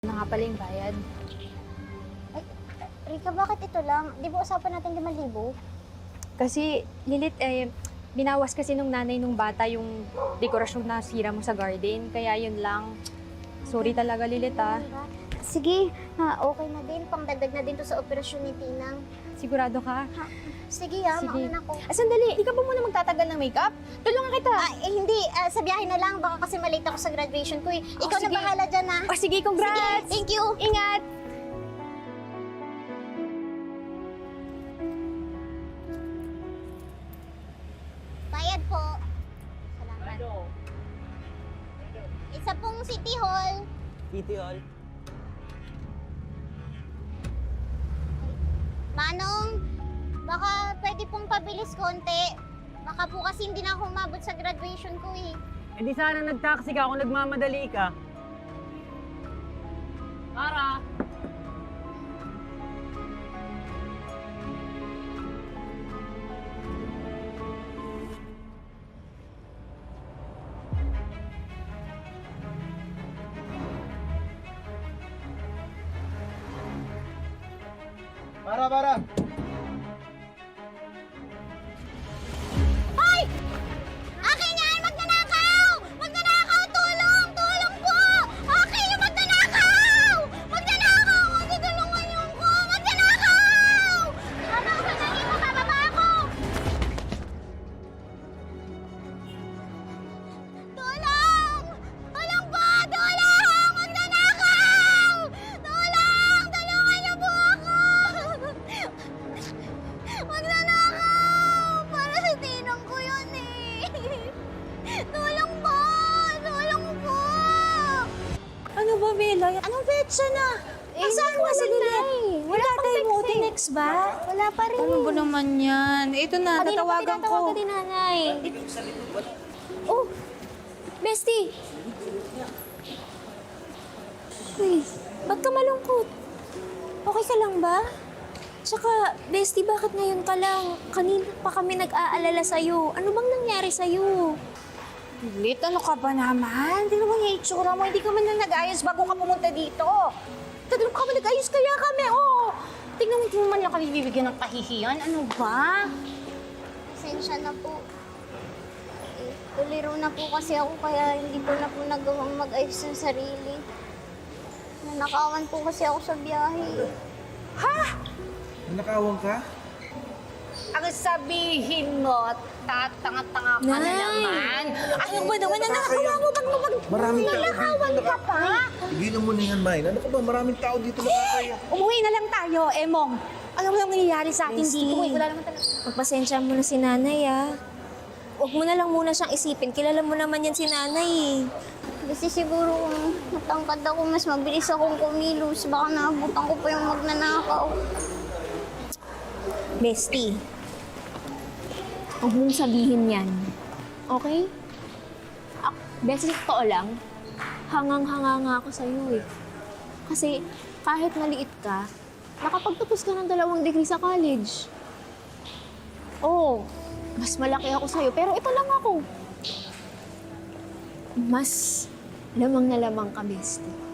Na nga pala yung bayad. Ay, Rika, bakit ito lang? Di ba usapan natin 5,000? Kasi, Lilith, binawas kasi nung nanay nung bata yung dekorasyon na sira mo sa garden. Kaya yun lang. Sorry talaga, Lilith, ah. Sige, okay na din. Pangdagdag na din to sa operasyon ni Tinang. Sigurado ka? Sige Sige. mauna ako. Sandali, di ka ba muna magtatagal ng makeup? Tulungan kita. Hindi, sa biyahe na lang. Baka kasi malate ako sa graduation ko eh. Ikaw na sige. bahala dyan Oh, sige, congrats! Sige, thank you. Ingat! Bayad po. Salamat. Isa pong City Hall. City Hall. Manong, baka pwede pong pabilis konti. Baka po kasi hindi na ako umabot sa graduation ko eh. Eh di sana nag-taxi ka kung nagmamadali ka. Tara! Para! Hoy! Akin yan! Magnanakaw! Magnanakaw! Tulong! Tulong po! Akin yung magnanakaw! Magnanakaw! Matutulungan niyo ko! Magnanakaw! Mama, sandali mo! Bababa ako! Tulong! Tulong po! Tulong! Magnanakaw! Tulong! Tulungan niyo po ako! Magnanakaw! Para sa tinang ko yun eh! Tulong po! Tulong po! Ano ba, Bella? Anong petsa na? Saan ba si Lilith? Wala tayo mo, tinext ba? Wala pa rin Ano ba naman yan? Ito na, natawagan ko. Kanina nanay. Oh, bestie! Uy, ba't ka malungkot? Okay ka lang ba? Tsaka, bestie, bakit ngayon ka lang? Kanina pa kami nag-aalala sa'yo. Ano bang nangyari sa'yo? Lilith, ano ka ba naman? Hindi naman yung itsura mo. Hindi ka man lang nag-ayos bago ka pumunta dito. Tatanong ka ba nag-ayos kaya kami? Oh! Tingnan mo, hindi mo man lang kami bibigyan ng kahihiyan. Ano ba? Pasensya na po. Tuliro na po kasi ako kaya hindi ko na po nagawang mag-ayos ng sarili. Nanakawan po kasi ako sa biyahe. Nanakawan ka? Ang sabihin mo, tatanga-tanga ka na Nay! naman. Ano ba naman? Nakakawa mo bang Maraming tao nanakawan dito. ka pa? Tigilan mo na yan, Mine. Ano ka ba? Maraming tao dito nakakaya. Umuwi na lang tayo, Emong. Ano mo lang nangyayari sa atin Bestie. dito? Wala naman talaga. Pagpasensya mo na si nanay, ah. Huwag mo na lang muna siyang isipin. Kilala mo naman yan si nanay, eh. Kasi siguro kung matangkad ako, mas mabilis akong kumilos. Baka naabutan ko pa yung magnanakaw. Bestie, huwag mong sabihin yan. Okay? Bestie, sa totoo lang, hangang-hanga nga ako sa'yo eh. Kasi kahit maliit ka, nakapagtapos ka ng 2 degree sa college. Oo, mas malaki ako sa'yo, pero ito lang ako. Mas lamang na lamang ka, bestie.